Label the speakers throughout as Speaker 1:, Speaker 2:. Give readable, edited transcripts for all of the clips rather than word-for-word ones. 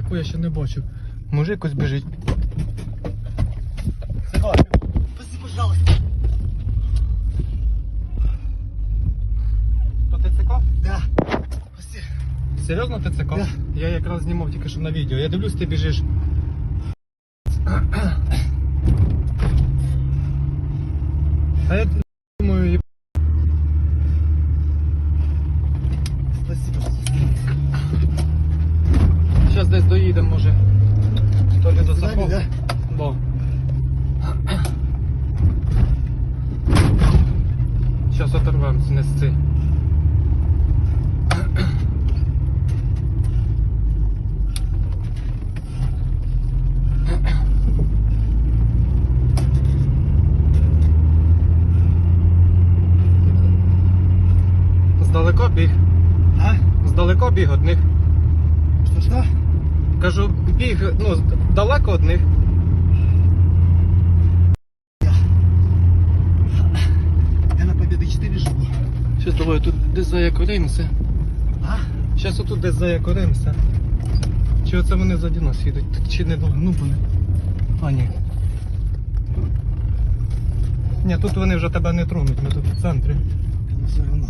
Speaker 1: таку я ще не бачив. Може якось біжить.
Speaker 2: Спаси, пожалуйста.
Speaker 1: То ТЦК?
Speaker 2: Да. Спаси.
Speaker 1: Серйозно ТЦК?
Speaker 2: Да.
Speaker 1: Я якраз знімав тільки що на відео. Я дивлюсь, ти біжиш. А я думаю,
Speaker 2: Спасибо.
Speaker 1: зараз десь доїдемо, може. То ли до
Speaker 2: С вами,
Speaker 1: Сахова.
Speaker 2: да?
Speaker 1: Да. Зараз оторвемося, не сци. Здалеко біг.
Speaker 2: А?
Speaker 1: Здалеко біг од них.
Speaker 2: Что?
Speaker 1: Кажу, біг, ну, далеко од них.
Speaker 2: Я на Победы 4 живу.
Speaker 1: Щас давай тут десь заякоримося.
Speaker 2: А?
Speaker 1: Щас отут десь заякоримося. Чи оце вони заді нас їдуть? Так чи не ну вони. А, ні. Ні, тут вони вже тебе не тронуть, ми тут в центрі.
Speaker 2: Ну все равно.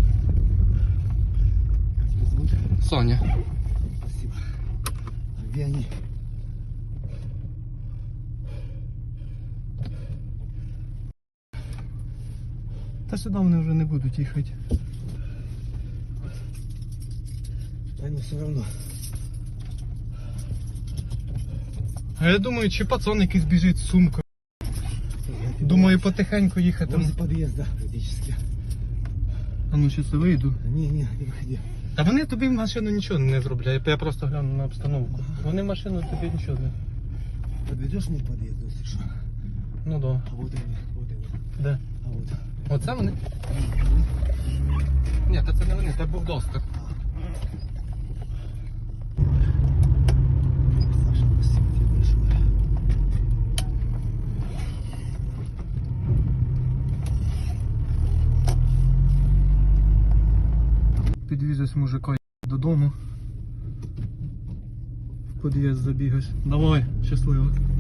Speaker 2: Как тебя зовут?
Speaker 1: Соня.
Speaker 2: Спасибо. А где они?
Speaker 1: Та сюди вони вже не будуть їхати.
Speaker 2: Да ну все равно.
Speaker 1: А я думаю, чи пацан якийсь біжить з сумкою. Думаю, потихеньку їхати.
Speaker 2: Возле подъезда практически.
Speaker 1: А ну щас я вийду.
Speaker 2: Не, не выходи.
Speaker 1: Та вони тобі в машину нічого не зроблять. Я просто гляну на обстановку. Вони в машину тобі нічого не.
Speaker 2: Подведешь мне к подъезду, если что?
Speaker 1: Ну да.
Speaker 2: А вот они, вот они.
Speaker 1: Де?
Speaker 2: А вот.
Speaker 1: Оце вони? Ні, та це не вони, це був доступ.
Speaker 2: Саша, спасибо тебе большое.
Speaker 1: Підвізусь мужика додому. В під'їзд забігаєш. Давай, щасливо.